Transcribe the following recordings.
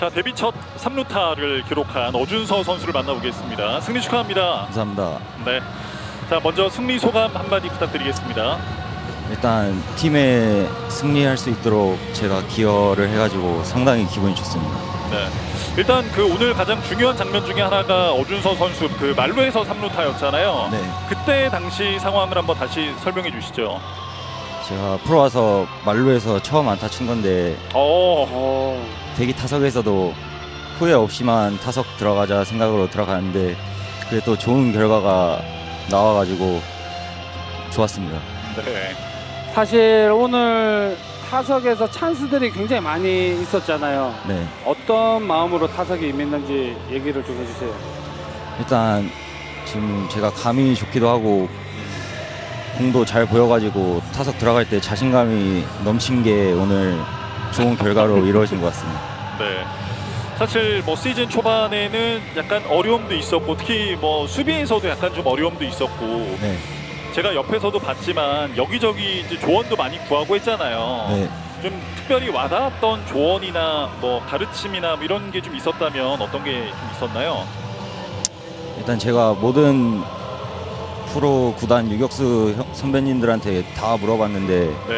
자, 데뷔 첫 3루타를 기록한 어준서 선수를 만나보겠습니다. 승리 축하합니다. 감사합니다. 네. 자, 먼저 승리 소감 한마디 부탁드리겠습니다. 일단 팀에 승리할 수 있도록 제가 기여를 해가지고 상당히 기분이 좋습니다. 네. 일단 그 오늘 가장 중요한 장면 중에 하나가 어준서 선수 그 말루에서 3루타였잖아요. 네. 그때 당시 상황을 한번 다시 설명해 주시죠. 제가 프로 와서 말루에서 처음 안타 친 건데 대기 타석에서도 후회 없이만 타석 들어가자 생각으로 들어가는데 그게 또 좋은 결과가 나와가지고 좋았습니다. 네. 사실 오늘 타석에서 찬스들이 굉장히 많이 있었잖아요. 네. 어떤 마음으로 타석에 임했는지 얘기를 좀 해주세요. 일단 지금 제가 감이 좋기도 하고 공도 잘 보여가지고 타석 들어갈 때 자신감이 넘친 게 오늘 좋은 결과로 이루어진 것 같습니다. 네. 사실 뭐 시즌 초반에는 약간 어려움도 있었고 특히 뭐 수비에서도 약간 좀 어려움도 있었고 네. 제가 옆에서도 봤지만 여기저기 이제 조언도 많이 구하고 했잖아요. 네. 좀 특별히 와닿았던 조언이나 뭐 가르침이나 뭐 이런 게 좀 있었다면 어떤 게 좀 있었나요? 일단 제가 모든 프로 구단 유격수 선배님들한테 다 물어봤는데 네.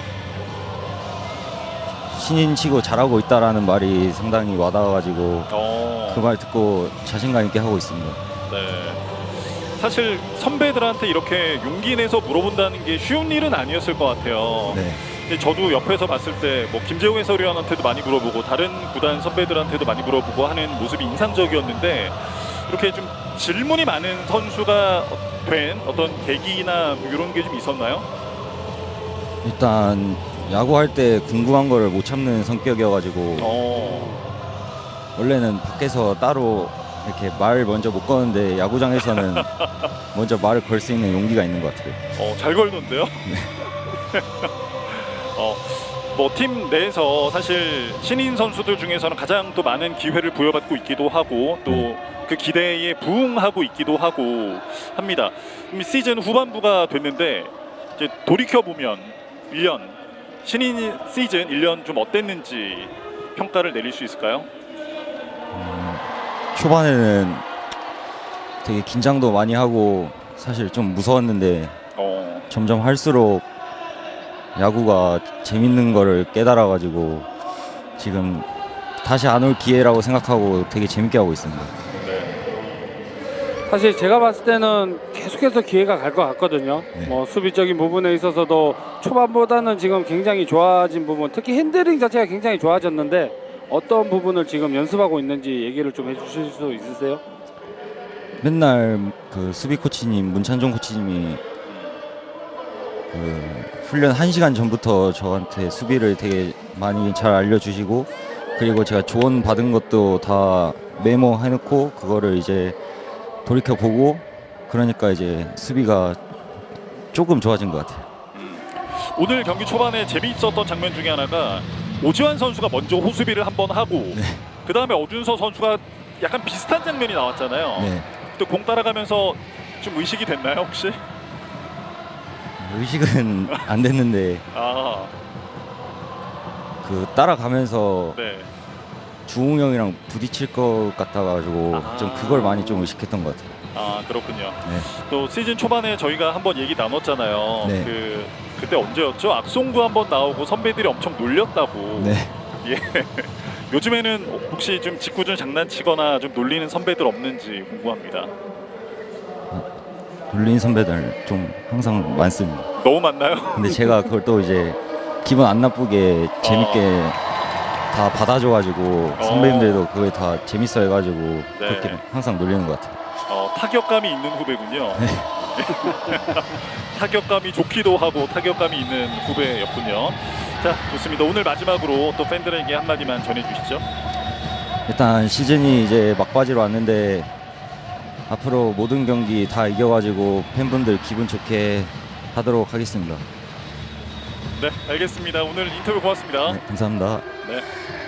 신인 치고 잘하고 있다라는 말이 상당히 와닿아가지고 그 말 듣고 자신감 있게 하고 있습니다. 네. 사실 선배들한테 이렇게 용기 내서 물어본다는 게 쉬운 일은 아니었을 것 같아요. 네. 근데 저도 옆에서 봤을 때 뭐 김재웅 해설위원한테도 많이 물어보고 다른 구단 선배들한테도 많이 물어보고 하는 모습이 인상적이었는데 이렇게 좀 질문이 많은 선수가 된 어떤 계기나 뭐 이런 게 좀 있었나요? 일단 야구할 때 궁금한 거를 못 참는 성격이어가지고 원래는 밖에서 따로 이렇게 말 먼저 못 거는데 야구장에서는 먼저 말을 걸 수 있는 용기가 있는 것 같아요. 잘 걸던데요? 뭐 팀 내에서 사실 신인 선수들 중에서는 가장 또 많은 기회를 부여받고 있기도 하고 또 그 기대에 부응하고 있기도 하고 합니다. 시즌 후반부가 됐는데 이제 돌이켜 보면 1년 신인 시즌 1년 좀 어땠는지 평가를 내릴 수 있을까요? 초반에는 되게 긴장도 많이 하고 사실 좀 무서웠는데 점점 할수록 야구가 재밌는 거를 깨달아가지고 지금 다시 안 올 기회라고 생각하고 되게 재밌게 하고 있습니다. 사실 제가 봤을 때는 계속해서 기회가 갈 것 같거든요. 네. 뭐 수비적인 부분에 있어서도 초반보다는 지금 굉장히 좋아진 부분, 특히 핸들링 자체가 굉장히 좋아졌는데 어떤 부분을 지금 연습하고 있는지 얘기를 좀 해주실 수 있으세요? 맨날 그 수비 코치님 문찬종 코치님이 그 훈련 1시간 전부터 저한테 수비를 되게 많이 잘 알려주시고 그리고 제가 조언 받은 것도 다 메모해놓고 그거를 이제 돌이켜 보고 그러니까 이제 수비가 조금 좋아진 것 같아요. 오늘 경기 초반에 재미있었던 장면 중에 하나가 오지환 선수가 먼저 호수비를 한번 하고 그 다음에 어준서 선수가 약간 비슷한 장면이 나왔잖아요. 네. 또 공 따라가면서 좀 의식이 됐나요 혹시? 의식은 안 됐는데 그 따라가면서 네. 주웅 형이랑 부딪힐 것 같아가지고 좀 그걸 많이 좀 의식했던 것 같아요. 그렇군요. 네. 또 시즌 초반에 저희가 한번 얘기 나눴잖아요. 네. 그때 언제였죠? 악송구 한번 나오고 선배들이 엄청 놀렸다고. 네. 예. 요즘에는 혹시 좀 직구준 장난치거나 좀 놀리는 선배들 없는지 궁금합니다. 놀린 선배들 좀 항상 많습니다. 너무 많나요? 근데 제가 그걸 또 이제 기분 안 나쁘게 재밌게 다 받아줘가지고 선배님들도 그게 다 재밌어 해가지고 그렇게 항상 놀리는 것 같아요. 타격감이 있는 후배군요. 타격감이 좋기도 하고 타격감이 있는 후배였군요. 자, 좋습니다. 오늘 마지막으로 또 팬들에게 한마디만 전해주시죠. 일단 시즌이 이제 막바지로 왔는데 앞으로 모든 경기 다 이겨가지고 팬분들 기분 좋게 하도록 하겠습니다. 네, 알겠습니다. 오늘 인터뷰 고맙습니다. 네, 감사합니다. 네.